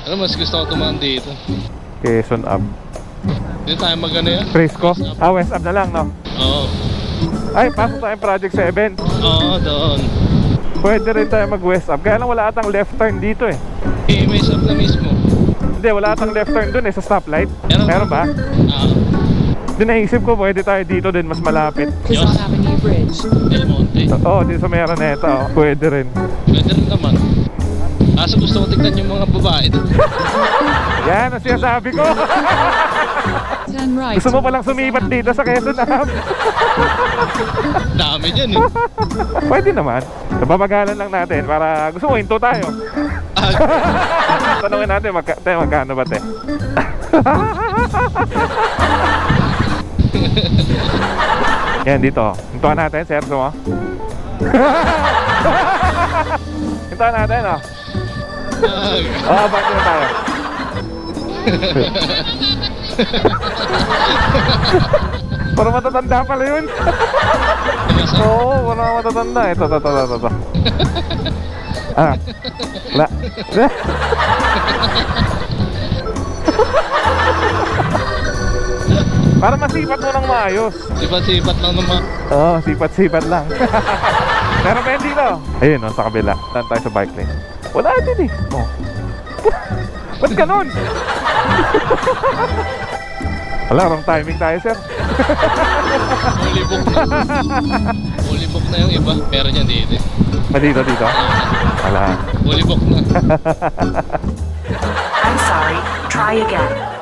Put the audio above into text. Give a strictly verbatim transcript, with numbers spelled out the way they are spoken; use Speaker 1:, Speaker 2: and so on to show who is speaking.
Speaker 1: Ano, mas gusto ko tumaan dito.
Speaker 2: Quezon Ave.
Speaker 1: Dito tayo mag-ano yan?
Speaker 2: Frisco? Ah, West Ave na lang, no?
Speaker 1: Oo.
Speaker 2: Ay, pasok tayo Project seven.
Speaker 1: Oo, doon.
Speaker 2: Pwede rin tayo mag-West Ave. Kaya lang wala atang left turn dito eh.
Speaker 1: Eh, may shop na mismo.
Speaker 2: Hindi, wala atang left turn dun eh, sa stoplight.
Speaker 1: Meron.
Speaker 2: Meron ba?
Speaker 1: Oo.
Speaker 2: Di naisip ko, pwede tayo dito din, mas malapit.
Speaker 1: Yes.
Speaker 3: Quezon Avenue Bridge.
Speaker 1: Del Monte.
Speaker 2: Oo, oh, dito sa Meroneta, oh. Pwede rin.
Speaker 1: Pwede rin naman. Kaso gusto ko tignan yung mga babae doon.
Speaker 2: Yan ang sinasabi ko.
Speaker 3: Turn right.
Speaker 2: Gusto mo palang sumipat dito sa Quezon Ave.
Speaker 1: Dami dyan eh.
Speaker 2: Pwede naman. Babagalan lang natin para gusto mo hinto tayo.
Speaker 1: Ah,
Speaker 2: Tanungin natin magka, te, magkano ba te? Yan dito. Hintuan natin, sir, gusto mo? Hintuan natin, oh. Oo, oh, bakit na tayo? Para matatanda pala yun. Oo, para matatanda. Ito, ito, ito, ito, ito. Ah, wala. Para masipat mo ng maayos.
Speaker 1: sipat-sipat lang naman.
Speaker 2: Oo, oh, sipat-sipat lang. Pero pwede dito. Ayun, oh, sa kabila. Saan tayo sa bike lane? Wala din eh. Oh. Ba't ganun? Wala, wrong timing tayo, sir.
Speaker 1: Fully book na. Fully book na yung iba. Pero niyan dito eh.
Speaker 2: Ah, dito, dito. Wala.
Speaker 1: Fully book na.
Speaker 4: I'm sorry. Try again.